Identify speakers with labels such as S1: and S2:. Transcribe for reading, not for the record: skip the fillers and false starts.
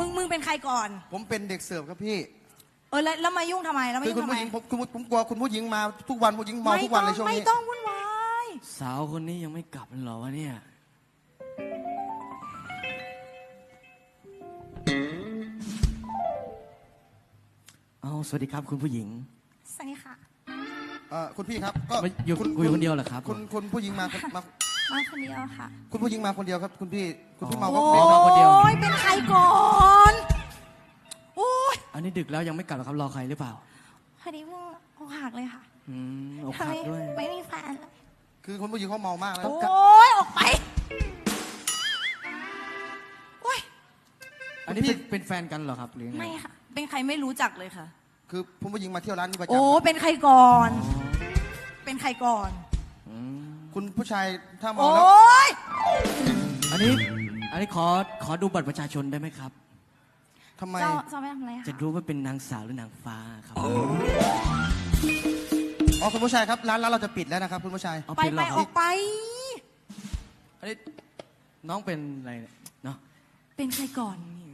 S1: มึงเป็นใครก่อน
S2: ผมเป็นเด็กเสิร์ฟครับพี่
S1: แล้วมายุ่งทำไมแล้วมา
S2: คือ
S1: ยุ่
S2: คุ
S1: ง
S2: ณ
S1: ทำไม
S2: ผู้หญิงผมกลัวคุณผู้หญิงมาทุกวันผู้หญิงเมาทุกวันเลยช่วงนี้
S1: ไม่ต้องวุ่นวาย
S3: สาวคนนี้ยังไม่กลับเหรอวะเนี่ยเอาสวัสดีครับคุณผู้หญิง
S1: สวัสดีค่ะ
S2: คุณพี่ครับก็
S3: อยู่คุยคนเดียวเหรอครับ
S2: คุณผู้หญิงมา
S1: คนเดียวค่ะ
S2: คุณผู้หญิงมาคนเดียวครับคุณพี่เมาก็
S1: โอ้ยเป็นใครก่อนโอ้ย
S3: อันนี้ดึกแล้วยังไม่กลับหรอครับรอใครหรือเปล่า
S1: พอดีเพิ่งอกหักเลยค่ะ
S3: อกหักด้วย
S1: ไม่มีแฟนเลย
S2: คือคุณผู้หญิงเขาเมามากแล้ว
S1: โอ้ยออกไปโอ้ย
S3: อันนี้เป็นแฟนกันเหรอครับหรือไง
S1: ไม่ค่ะเป็นใครไม่รู้จักเลยค่ะ
S2: คือคุณผู้หญิงมาเที่ยวร้านนี้ประจำ
S1: โอ้เป็นใครก่อนเป็นใครก่อน
S2: คุณผู้ชายถ้าเมา
S1: โอ้
S2: แล้ว
S1: ย
S3: อันนี้ขอดูบัตรประชาชนได้ไหมครับ
S2: ทำไม
S1: จะไปทำอะไรคะ
S3: จะรู้ว่าเป็นนางสาวหรือนางฟ้าครับ
S2: คุณผู้ชายครับร้านเราจะปิดแล้วนะครับคุณผู้ชาย
S1: ไปออกไป
S3: อันนี้น้องเป็นอะไรเนี่ยเนาะ
S1: เป็นใครก่อน